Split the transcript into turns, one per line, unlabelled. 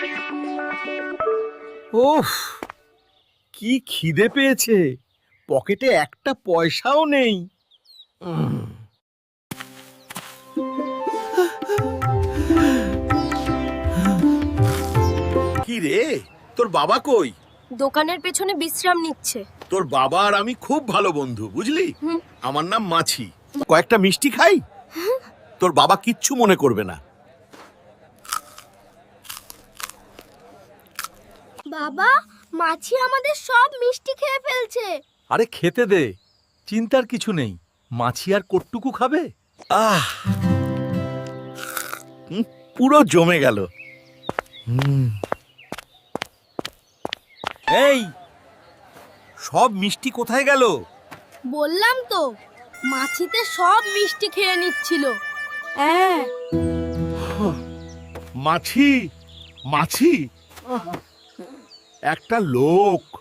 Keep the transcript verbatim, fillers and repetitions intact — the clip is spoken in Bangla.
ওফ, কি খিদে পেয়েছে, পকেটে একটা পয়সাও নেই। উম, কি রে, তোর বাবা কই?
দোকানের পেছনে বিশ্রাম নিচ্ছে।
তোর বাবা আর আমি খুব ভালো বন্ধু, বুঝলি?
হুম।
আমার নাম মাছি। কয়েকটা মিষ্টি খাই, তোর বাবা কিচ্ছু মনে করবে না।
বাবা, মাছি আমাদের সব মিষ্টি খেয়ে ফেলছে।
আরে খেতে দে, চিন্তার কিছু নেই। মাছি আর কটটুকু খাবে।
আহ, হুম, পুরো জমে গেল। এই, সব মিষ্টি কোথায় গেল?
বললাম তো, মাছিতে সব মিষ্টি খেয়ে নিচ্ছিল। হ্যাঁ।
মাছি, মাছি, একটা লোক